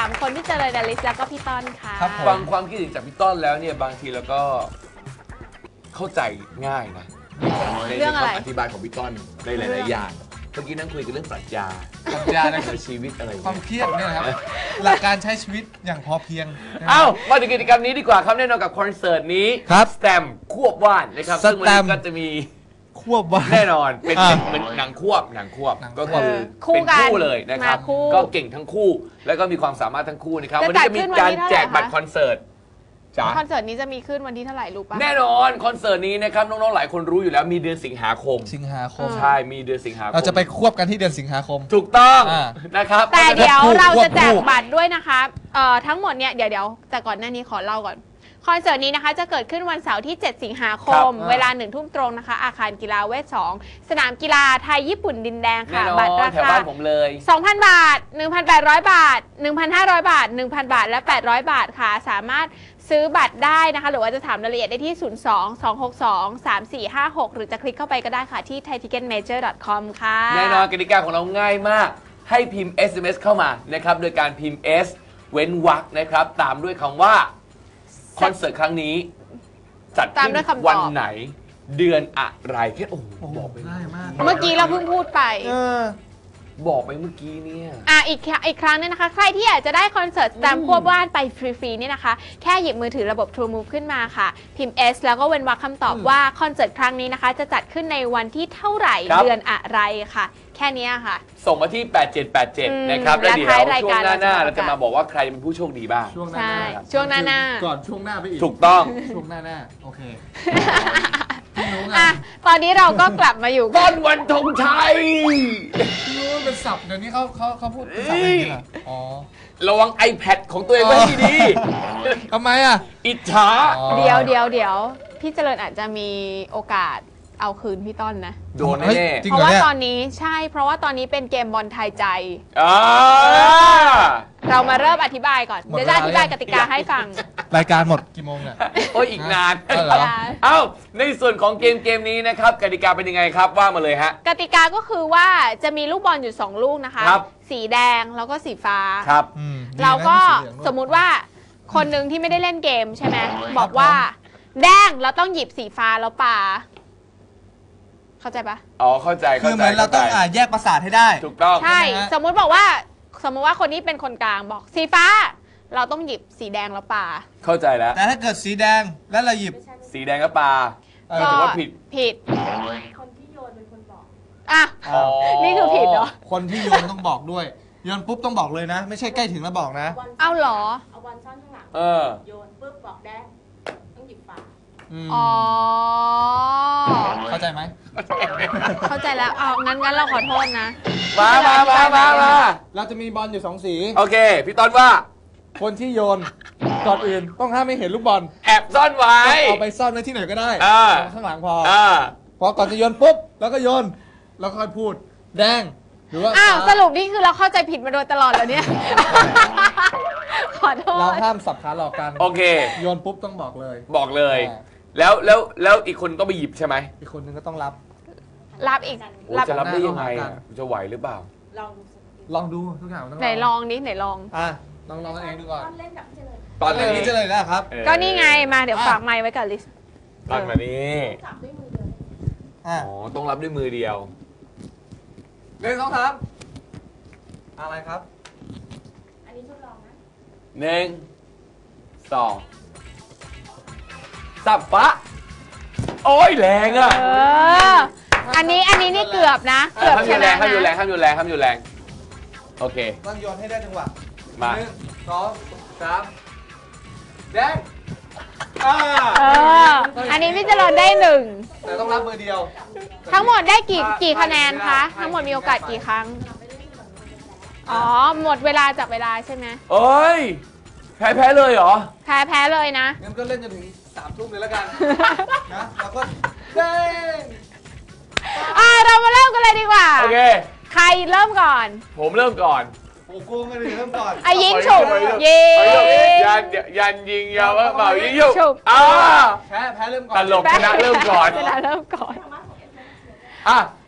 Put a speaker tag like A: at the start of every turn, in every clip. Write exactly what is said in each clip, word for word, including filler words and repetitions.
A: ามคนพี่เจริญอลิสแล้วก็พี่ต้นค่ะ
B: ฟังความคิดเห็นจากพี่ต้นแล้วเนี่ยบางทีเราก็เข้าใจง่ายนะในคำอธิบายของพี่ต้นในหลายๆอย่างเมื่อกี้นั่งคุยกันเรื่องปรัชญา
C: ปรัชญาใน
B: ชีวิตอะไร
C: ความเครียดเนี่ยครับหลักการใช้ชีวิตอย่างพอเพียง
B: เอ้ามาถึงกิจกรรมนี้ดีกว่าครับแน่นอนกับคอนเสิร์ตนี้
C: ครับ
B: สแตมควบว่านนะครับซึ่งวันนี้ก็จะมี
C: ควบว่าน
B: แน่นอนเป็นเหมือนหนังควบหนังควบก็คือเป็นคู่เลยนะครับก็เก่งทั้งคู่แล้วก็มีความสามารถทั้งคู่นะครับวันนี้จะมีการแจกบัตรคอนเสิร์ต
A: คอนเสิร์ตนี้จะมีขึ้นวันที่เท่าไหร่รู้ปะ
B: แน่นอนคอนเสิร์ตนี้นะครับน้องๆหลายคนรู้อยู่แล้วมีเดือนสิงหาคม
C: สิงหาคม
B: ใช่มีเดือนสิงหาคม
C: เราจะไปควบกันที่เดือนสิงหาคม
B: ถูกต้องนะครับ
A: แต่เดี๋ยวเราจะแจกบัตรด้วยนะคะเอ่อทั้งหมดเนี่ยเดี๋ยวเดี๋ยวแต่ก่อนหน้านี้ขอเล่าก่อนคอนเสิร์ตนี้นะคะจะเกิดขึ้นวันเสาร์ที่เจ็ดสิงหาคมเวลาหนึ่งทุ่มตรงนะคะอาคารกีฬาเวทสองสนามกีฬาไทยญี่ปุ่นดินแดงค่ะบัตรราคา สองพัน บาท หนึ่งพันแปดร้อย บาท หนึ่งพันห้าร้อย บาท หนึ่งพัน บาทและแปดร้อยบาทค่ะสามารถซื้อบัตรได้นะคะหรือว่าจะถามรายละเอียดได้ที่ ศูนย์ สอง สอง หก สอง สาม สี่ ห้า หก หรือจะคลิกเข้าไปก็ได้ค่ะที่ ไทยทิกเก็ตเมเจอร์ ดอท คอม ค่ะ
B: แน่นอนกติกาของเราง่ายมากให้พิมพ์ เอส เอ็ม เอส เข้ามานะครับโดยการพิมพ์ S เว้นวรรคนะครับตามด้วยคำว่าคอนเสิร์ตครั้งนี้จัดขึ้นวันไหนเดือนอะไรแค่โอ้โหบอกไป
C: ง่ายมาก
A: เมื่อกี้เราเพิ่งพูดไป
B: บอกไปเมื่อกี้เนี่ย
A: อ่ะอีกอีกครั้งนึงนะคะใครที่อยากจะได้คอนเสิร์ตตามควบว่านไปฟรีๆนี่นะคะแค่หยิบมือถือระบบ True Move ขึ้นมาค่ะพิมพ์ S แล้วก็เว้นวรรคคำตอบว่าคอนเสิร์ตครั้งนี้นะคะจะจัดขึ้นในวันที่เท่าไหร่เดือนอะไรค่ะแค่นี้ค่ะ
B: ส่งมาที่แปดเจ็ดแปดเจ็ดนะครับแล้วเดี๋ยวช่วงหน้าหน้าเราจะมาบอกว่าใครเป็นผู้โชคดีบ้าง
C: ช่วงหน้า
A: ช่วงหน้าหน้า
C: ก่อนช่วงหน้าไปอีก
B: ถูกต้อง
C: ช่วงหน้าหน้าโอเค
A: อ่ะตอนนี้เราก็กลับมาอยู่
B: ต้นวันธงชัย
C: รู้เป็นศัพท์เดี๋ยวนี้เขาเขาเขาพูดเป็นศัพท์อะไรกันอ๋อ
B: ระวัง iPad ของตัวเองไว้ดี
C: ๆทำไมอ่ะ
B: อิจฉา
A: เดี๋ยวเดี๋ยวเดี๋ยวพี่เจริญอาจจะมีโอกาสเอาคืนพี่ต้นนะ
B: โดนแน่
A: เพราะว่าตอนนี้ใช่เพราะว่าตอนนี้เป็นเกมบอลไทยใจเรามาเริ่มอธิบายก่อนเดี๋ยวจะอธิบายกติกาให้ฟัง
C: รายการหมดกี่โมงเนี่ย
B: โอ้ยอีกนานเอ้าในส่วนของเกมเกมนี้นะครับกติกาเป็นยังไงครับว่ามาเลยฮะ
A: กติกาก็คือว่าจะมีลูกบอลอยู่สองลูกนะคะสีแดงแล้วก็สีฟ้า
B: ครับ
A: เราก็สมมุติว่าคนหนึ่งที่ไม่ได้เล่นเกมใช่ไหมบอกว่าแดงเราต้องหยิบสีฟ้าแล้วปาเข้าใจปะ
B: อ๋อเข้าใจ
C: คือเหมือนเราต้องแยกประสาทให้ได้
B: ถูกต้อง
A: ใช่สมมุติบอกว่าสมมุติว่าคนนี้เป็นคนกลางบอกสีฟ้าเราต้องหยิบสีแดงแล้วปา
B: เข้าใจแล้ว
C: แต่ถ้าเกิดสีแดงแล้วเราหยิบ
B: สีแดงแล้วปาก็ถือว่าผิด
A: ผิดคนที่โยนเป็นคนบอกอ่ะนี่คือผิดเหรอ
C: คนที่โยนต้องบอกด้วยโยนปุ๊บต้องบอกเลยนะไม่ใช่ใกล้ถึงแล้วบอกนะ
A: เอาเหรอ
D: เอาบอลซ่อนข้างหลังโยนปุ๊บบอกแดงต้องหยิบฟ้า
A: อ๋อ
C: เข้าใจไหม
A: เข้าใจแล้วเอางั้นงั้นเราขอโทษนะ
B: มามามามามา
C: เราจะมีบอลอยู่สองสี
B: โอเคพี่ต้นว่า
C: คนที่โยนก่อนอื่นต้องห้ามไม่เห็นลูกบอล
B: แอบซ่อนไว้
C: เอาไปซ่อนไว้ที่ไหนก็ได้ข้างหลังพอพอก่อนจะโยนปุ๊บแล้วก็โยนแล้วค่อยพูดแดงหรือว่า
A: อ้าวสรุปนี่คือเราเข้าใจผิดมาโดยตลอดแล้วเนี่ยขอโทษ
C: เราห้ามสับขาหลอกกัน
B: โอเค
C: โยนปุ๊บต้องบอกเลย
B: บอกเลยแล้วแล้วแล้วอีกคนต้องไปหยิบใช่ไหม
C: อีกคนนึงก็ต้องรับ
A: รับอีก
B: จะรับได้ยังไงจะไหวหรือเปล่า
D: ลอง
C: ลองดูทุกอย่าง
A: ไหนลองนี้ไหนลอง
C: อ่ะลองลองเองดูก่อน
D: ตอนเล่นกับเจริญ
B: ตอนเล่น
C: เจริญนะครับ
A: ก็นี่ไงมาเดี๋ยวฝากไมค์ไว้กับลิส
B: ตอนมานี่อ๋อต้องรับด้วยมือเดียว
C: หนึ่งสองสามอะไรครับ
D: อันนี้ทดลองนะ
B: หนึ่งสองสับปะโอ้ยแรงอ่ะ
A: อันนี้อันนี้นี่เกือบนะเกือบชนะนะ
B: ห้ามอยู่แรงห้ามอยู่แรงห้ามอยู่แรงโอเค
C: ต้องโยนให้ได้จังหวะ
B: มา
C: หนึ่งสองสามแดง
A: อันนี้พี่เจริญได้หนึ่ง
C: แต่ต้องรับมือเดียว
A: ทั้งหมดได้กี่กี่คะแนนคะทั้งหมดมีโอกาสกี่ครั้งอ๋อหมดเวลาจับเวลาใช่ไหม
B: เอ้ยแพ้แพ้เลยเหรอ
A: แพ้แพ้เลยนะ
C: งั้นก็เล่นจนถึงสามทุ่มเลยแล้วกันนะแล้วก็เด้ง
A: อ่ะเรามาเริ่มกันเลยดีกว่า
B: โอเค
A: ใครเริ่มก่อน
B: ผมเริ่มก่อน
C: โอ้โหไม่ได้เริ่มก่อน
A: ไอ้ยิงฉุบยิง
B: ยันยันยิงยาวเปล่ายิงฉุบอ่า
C: แพ้แพ้เริ่มก่อน
B: ตลกชนะเริ่มก่อน
A: ชนะเริ่มก่อน
B: อ่ะ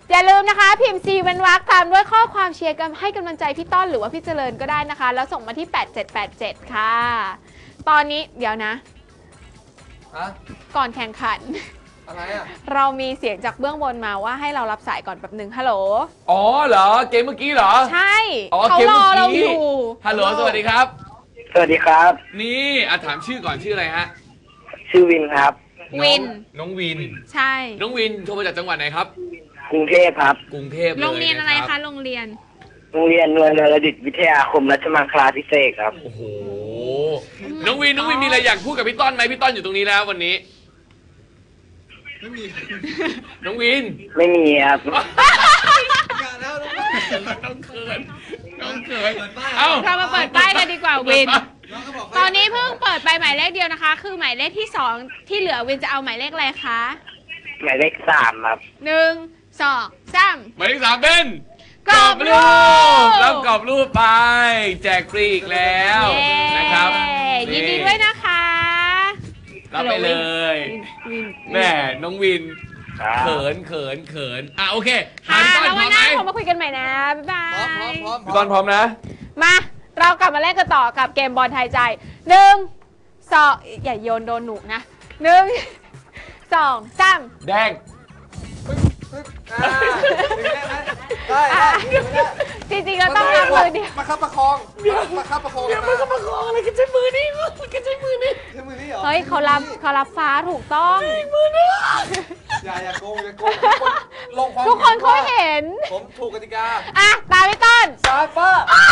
A: อย่าลืมนะคะ พิมพ์ซีเว้นวรรคตามด้วยข้อความเชียร์กันให้กำลังใจพี่ต้นหรือว่าพี่เจริญก็ได้นะคะ แล้วส่งมาที่แปดเจ็ดแปดเจ็ดค่ะ ตอนนี้เดี๋ยวนะ
C: ฮะ
A: ก่อนแข่งขัน
C: อะไรอ่ะ
A: เรามีเสียงจากเบื้องบนมาว่าให้เรารับสายก่อนแป๊บหนึ่งฮัลโหล
B: อ๋อเหรอเกมเมื่อกี้เหรอ
A: ใช่
B: อ๋อ
A: เขา
B: เกม
A: รอ
B: เมื่อ
A: เราอ
B: กี้
A: ยู่
B: ฮัลโหลสวัสดีครับ
E: สวัสดีครับ
B: นี่อ่ะถามชื่อก่อนชื่ออะไรฮะ
E: ชื่อวินครับ
A: วิน
B: น้องวิน
A: ใช่
B: น้องวินโทรมาจากจังหวัดไหนครับ
E: กรุงเทพครับ
B: กรุงเทพเลย
A: โรงเรียนอะไร
B: บ
A: คะโรงเรียน
E: โรงเรียนนวลนรดิตวิทยาคมรัชมังคลาภิเษกครับ
B: โอ้โหน้องวินน้องวินมีอะไรอยากพูดกับพี่ต้นไหมพี่ต้นอยู่ตรงนี้แล้ววันนี้
C: ไม่มี
B: น้องวิน
E: ไม่มีครับ
C: อย่าแล้ว
B: น้องเขินน้องเขิน
C: เปิดป้าย
B: เอ้า
A: เรามาเปิดป้ายกันดีกว่าวิน
C: น้องก็บอก
A: ตอนนี้เพิ่งเปิดไปหมายเลขเดียวนะคะ คือหมายเลขที่สองที่เหลือวินจะเอาหมายเลขอะไรคะ
E: หมายเลขสามครับ
A: หนึ่งสองสาม
B: หมายเลขสามเป็น
A: กรอบรูป
B: รับกรอบรูปไป แจกฟรีอีกแล้ว
A: เย้
B: นะครับ
A: ยินดีด้วยนะคะ
B: รับไปเลย
A: วิน
B: แม่น้องวิน
E: ครับ
B: เขินเขินเขินอ่ะโอเค
A: ค่ะ
B: พี่ต้น
A: แล้ว
B: พร้
A: วั
B: อน ม
A: ห
B: ไหม
A: น้าผมมาคุยกันใหม่นะ บ๊ายบา
C: พร้อมพร้อม
A: ย
C: พร้อม
B: พี่ต้นพร้อมนะ
A: มา เรากลับมาเล่นกันต่อกับเกมบอลไทยใจหนึ่งสองอย่าโยนโดนหนูนะหนึ่งสองสาม
B: แดง
C: อ่าถึงได้ไหมได้
A: อ่ะ
C: ได้
A: จริงๆเราต้องรับมือเดียว
C: ประคับประคองประคับประคองกันมา
B: ประคองอะไรกันใช้มือนี่มันกันใช้มือนี่
C: ใช้มือนี่เหรอ
A: เฮ้ยเขารับเขารับฟ้าถูกต้อง
C: อย่าอย่าโกงอย่าโกงทุกคนลงความ
A: ทุกคนเขาเห็น
C: ผมถูกกติกา
A: อ่ะ ตามพี่ต้น
C: ซาฟ้า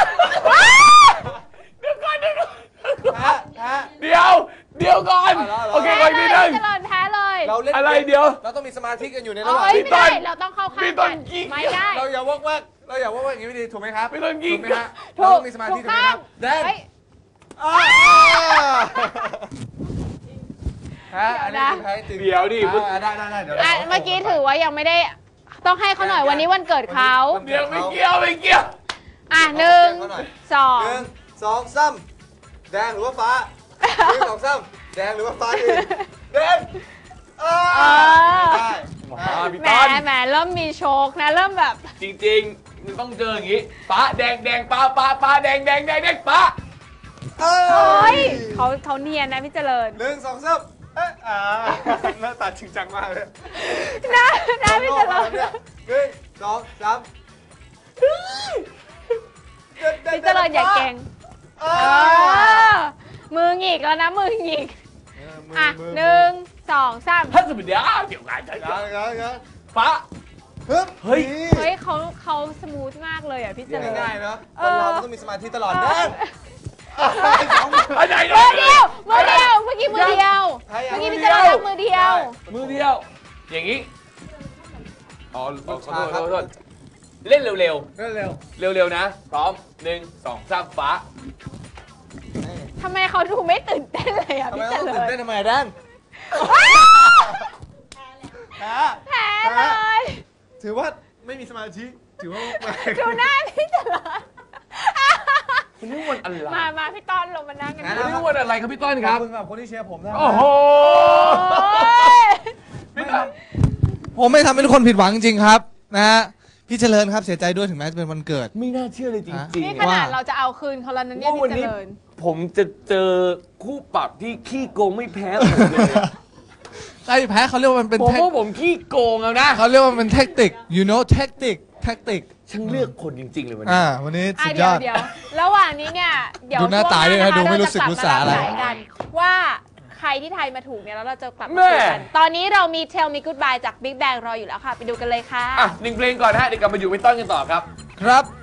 B: เดี๋ยวก่อนเดี๋ยวก่อน
C: ฮะฮะ
B: เดี๋ยวเดี๋ยวก่อน
C: เอาเหรอ
B: โอเค
A: แพ้
B: ก่อน
A: เล
B: พี่
A: ย
B: นึง
A: เจริญแพ้เลย
C: เราเล่น
B: อะไรเดี๋ยว
C: เราต้องมีสมาธิกันอยู่ใน
A: อ๋
C: ระ
A: อ
C: หว่าง
A: เอ้ย
B: พี่
A: ไม่
B: ต้
A: ได้
B: น
A: เราต้องเข้าข้าง
B: พี่ต้
A: กัน น
B: ยิง
A: ไม่ได้
C: เราอย่าวักวักเราอย่าวักวักอย่างนี้ไม่ดีถูกไหมครับ
B: พี่ต้นยิง
C: ถูกไหมฮะ
A: ถู
C: เรา
A: ก
C: ต้องมีสมาธิ
A: ถู
C: ถู
A: ก
C: กไหม
A: ต้อ
C: ครั
A: ง
C: บแดน
A: เฮ้ย
C: อ่าฮะอันนี้คือแพ้จริง
B: เดี๋ยวดิ
C: อ่าได้ได้ได้เดี๋ยว
A: อ่ะเมื่อกี้ถือว่ายังไม่ได้ ต้องให้เขาหน่อยวันนี้วันเกิดเขา
B: เดี๋ยวไม่เกี่ยวไม่เกี่ยว
A: อ่ะหนึ่งสอง
C: หนึ่งสองสามแดงหรือว่าฟ้าหนึ่งสองสามแดงหรือว่าฟ้าดีแดงอ่า
A: เออ
C: ได้
B: อ่าพี่
A: แหม
B: ต้น
A: แหมเริ่มมีโชคนะเริ่มแบบ
B: จริงๆมันต้องเจออย่างงี้ป้าแดงแดงป้าป้าป้าแดงแดงแดงแดงป้า
C: เอ้
A: เฮ้
C: ย
A: ยเขาเขาเนียนนะพี่เจริญ
C: หนึ่งสองสามเอ๊ะอ่าหน้าตาจริงจังมากเลย
A: นะนะพี่เจริญ
C: เนี่ยหนึ่งสองสาม
A: พี่เจริญอย่าเก่ง
C: เอ
A: เอ
C: อ
A: อมือหงิกแล้วนะมือหงิก
C: มื
A: อ่ะ
C: มื
A: หนึ่งสองสาม
B: ถ้าสมมติเดี๋ยวเดี๋ยวกันเดี๋ยว
C: ยังยังยัง
B: ป้า
C: ฮึบ
B: เฮ้ย
A: เฮ้ยเขาเขาสมูทมากเลยอ่ะพี่เจริญ
C: ง่ายๆเนาะ
A: เอ
C: คน
A: อ
C: เราต้องมีสมาธิตลอด
A: เออ
C: แดง
B: อันไหน
A: มือเดียวมือเดียวเมื่อกี้มือเดียว
C: ใครอ่ะ
A: เมื่อกี้พี่เจริญรับมือเดียว
B: มือเดียว อย่างนี้อ๋อขอโทษขอโทษขอโทษเล่นเร็ว
C: เร็ว
B: ๆ เร็วๆนะ พร้อมหนึ่งสองสามฟ้า
A: ทำไมเขาดูไม่ตื่นเต้นเลยอ่ะ
C: ทำไม
A: พี่เจ
C: ต้อง
A: ริ
C: ตื่น
A: ญ
C: เต้นทำไมแดงแพ้
A: แพ้เลย
C: ถือว่าไม่มีสมาธิถือว่า
A: ดูหน้าพี่เจริญ
B: คุณนี่วันอะไร
A: มามาพี่ต้อนลงมานั่งกัน
B: คุณนี่วันอะไรครับพี่ต้น
C: ข
B: ค
C: อ
B: รั
C: บบ คุณกับคนที่เชียร์ผมนะ
B: โอ้โห
C: ไม่ทำผมไม่ทำให้ทุกคนผิดหวังจริงๆครับนะฮะพี่เจริญครับเสียใจด้วยถึงแม้จะเป็นวันเกิด
B: ไม่น่าเชื่อเลยจริง
A: นี่
B: ๆ
A: ขนาดเราจะเอาคืนเขาแล้วนะเนี่ย
B: ว่าวัน
A: พี่เจ
B: นี้
A: ริญ
B: ผมจะเจอคู่ปรับที่ขี้โกงไม่แพ้ผมเลย
C: ไอ้แพ้เขาเรียกว่ามันเป็น
B: ผม
C: แท็ก
B: ว่าผมขี้โกงแล้วนะ
C: เขาเรียกว่ามันเป็นแท็กติก you know แท็กติกแท็กติก
B: ช่างเลือกคนจริงๆเลยวันนี้
C: อ่าวันนี้
A: อ่ะ
C: สุดย
A: เดี๋ย
C: อ
A: ว
C: ด
A: เดี๋ยวระหว่างนี้เนี่ยเดี๋ยว
C: ดูหน้าตายด้วยนะ
A: ช่วง
C: ดูไม่รู้
A: เา
C: สึก
A: จะ
C: รู้สาอะไร
A: มบสยกันว่าใครที่ไทยมาถูกเนี่ยแล้วเราจะกลับมา
B: แม่
A: คุยกันตอนนี้เรามี Tell Me Goodbye จาก Big Bang รออยู่แล้วค่ะ ไปดูกันเลยค่ะ
B: อ่ะหนึ่งเพลงก่อนฮะเดี๋ยวกลับมาอยู่ไม่ต้อนกันต่อครับ
C: ครับ